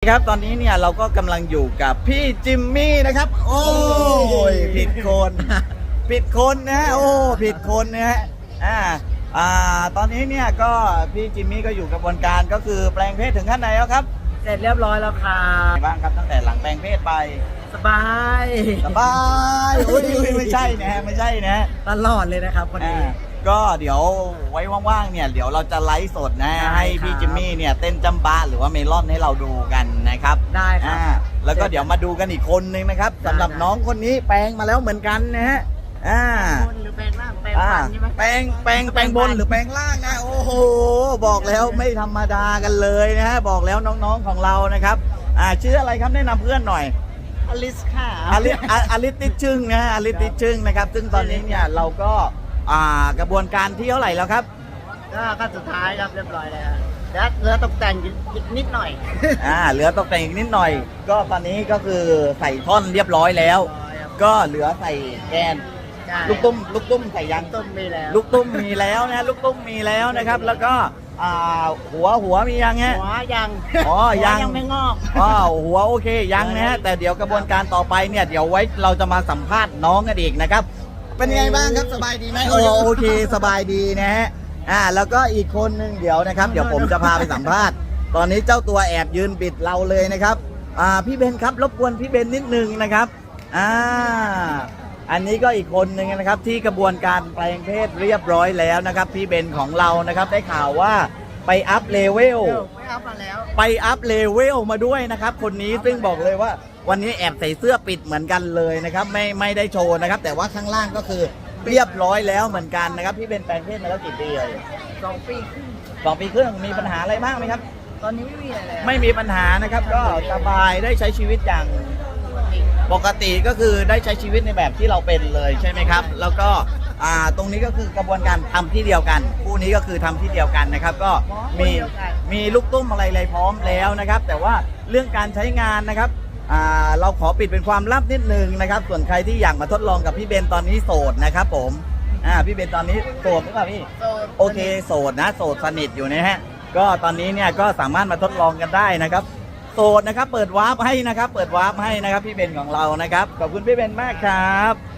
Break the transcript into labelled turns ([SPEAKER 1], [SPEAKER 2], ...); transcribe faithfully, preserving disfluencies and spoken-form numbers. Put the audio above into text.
[SPEAKER 1] ครับตอนนี้เนี่ยเราก็กำลังอยู่กับพี่จิมมี่นะครับโอ้ยผิดคนผิดคนนะฮะโอ้ผิดคนนะฮะอ่าอ่าตอนนี้เนี่ยก็พี่จิมมี่ก็อยู่กระบวนการก็คือแปลงเพศถึงขั้นไหนแล้วครับ
[SPEAKER 2] เสร็จเรียบร้อยแล้วค่ะ
[SPEAKER 1] เป็นไงบ้างครับตั้งแต่หลังแปลงเพศไป
[SPEAKER 2] สบาย
[SPEAKER 1] สบายอุ้ยไม่ใช่นะฮะไม่ใช่นะ
[SPEAKER 2] ตลอดเลยนะครับคนนี้
[SPEAKER 1] อ่าก็เดี๋ยวไว้ว่างๆเนี่ยเดี๋ยวเราจะไลฟ์สดนะ
[SPEAKER 2] ได้
[SPEAKER 1] ให้พี่
[SPEAKER 2] ครับ
[SPEAKER 1] จิมมี่เนี่ยเต้นจำบะหรือว่าเมลอนให้เราดูกันนะครับ
[SPEAKER 2] ได้ครับ
[SPEAKER 1] อ่าแล้วก็เดี๋ยวมาดูกันอีกคนนึงนะครับสำหรับ
[SPEAKER 2] ได้
[SPEAKER 1] น้องคนนี้แปลงมาแล้วเหมือนกันนะฮะอ่า
[SPEAKER 2] บนหรือแปลงล่างแปลง
[SPEAKER 1] อ่า
[SPEAKER 2] ฟันใช่ไหม
[SPEAKER 1] แปลงแปลงแปลงบนหรือแปลงล่างนะโอ้โหบอกแล้วไม่ธรรมดากันเลยนะฮะบอกแล้วน้องๆของเรานะครับอ่าชื่ออะไรครับแนะนำเพื่อนหน่อย
[SPEAKER 2] อลิสค่ะ
[SPEAKER 1] อลิออลิติชึ่งนะฮะอลิติชึ่งนะครับซึ่งตอนนี้เนี่ยเราก็อ่ากระบวนการที่เท่าไหร่แล้วครับ
[SPEAKER 2] ก็ขั้นสุดท้ายครับเรียบร้อยแล้วแล้วเหลือตกแต่งอีกนิดหน่อย
[SPEAKER 1] อ่าเหลือตกแต่งอีกนิดหน่อย ก็ตอนนี้ก็คือใส่ท่อนเรียบร้อยแล้ว ก็เหลือใส่แกน
[SPEAKER 2] ใช่
[SPEAKER 1] ลูกตุ้มลูกตุ้มใส่ยัง
[SPEAKER 2] ต้มมีแล้ว
[SPEAKER 1] ลูกตุ้มมีแล้วนะลูกตุ้มมีแล้วนะครับ แล้วก็อ่าหัวหัวมียังฮะ
[SPEAKER 2] หัวยัง
[SPEAKER 1] อ๋อ
[SPEAKER 2] หัว
[SPEAKER 1] ยัง
[SPEAKER 2] ยังไม่งอก
[SPEAKER 1] อ๋อหัวโอเคยังนะฮะแต่เดี๋ยวกระบวนการต่อไปเนี่ยเดี๋ยวไว้เราจะมาสัมภาษณ์น้องกันอีกนะครับ เป็นไงบ้างครับสบายดีไหมโอ้โอเคสบายดีนะฮะอ่าแล้วก็อีกคนนึงเดี๋ยวนะครับ เดี๋ยวผมจะพาไปสัมภาษณ์ ตอนนี้เจ้าตัวแอบยืนปิดเราเลยนะครับอ่าพี่เบนครับรบกวนพี่เบนนิดนึงนะครับอ่าอันนี้ก็อีกคนนึงนะครับที่กระบวนการแปลงเพศเรียบร้อยแล้วนะครับพี่เบนของเรานะครับได้ข่าวว่าไปอัพเลเวล
[SPEAKER 2] ไม่เอามาแล้ว
[SPEAKER 1] ไปอัพเลเวลมาด้วยนะครับคนนี้ซึ่งบอกเลยว่าวันนี้แอบใส่เสื้อปิดเหมือนกันเลยนะครับไม่ไม่ได้โชว์นะครับแต่ว่าข้างล่างก็คือเรียบร้อยแล้วเหมือนกันนะครับพี่เป็นแปลงเพศมาแล้วกี่ปีเลย
[SPEAKER 2] สองปีครึ่ง
[SPEAKER 1] สองปีครึ่งมีปัญหาอะไรบ้างไหมครับ
[SPEAKER 2] ตอนนี้ไม่มีอะไรแล้ว
[SPEAKER 1] ไม่มีปัญหานะครับก็สบายได้ใช้ชีวิตอย่างปกติก็คือได้ใช้ชีวิตในแบบที่เราเป็นเลยใช่ไหมครับแล้วก็อ่าตรงนี้ก็คือกระบวนการทำที่เดียวกันคู่นี้ก็คือทำที่เดียวกันนะครับก็มีมีลูกตุ้มอะไรเลยพร้อมแล้วนะครับ แต่ว่าเรื่องการใช้งานนะครับอ่าเราขอปิดเป็นความลับนิดนึงนะครับส่วนใครที่อยากมาทดลองกับพี่เบนตอนนี้โสดนะครับผมอ่าพี่เบนตอนนี้โสดหรือเปล่าพี่
[SPEAKER 2] โสด
[SPEAKER 1] โอเคโสดนะโสดสนิทอยู่นะฮะก็ตอนนี้เนี่ยก็สามารถมาทดลองกันได้นะครับโสดนะครับเปิดวาร์ปให้นะครับเปิดวาร์ปให้นะครับพี่เบนของเรานะครับขอบคุณพี่เบนมากครับ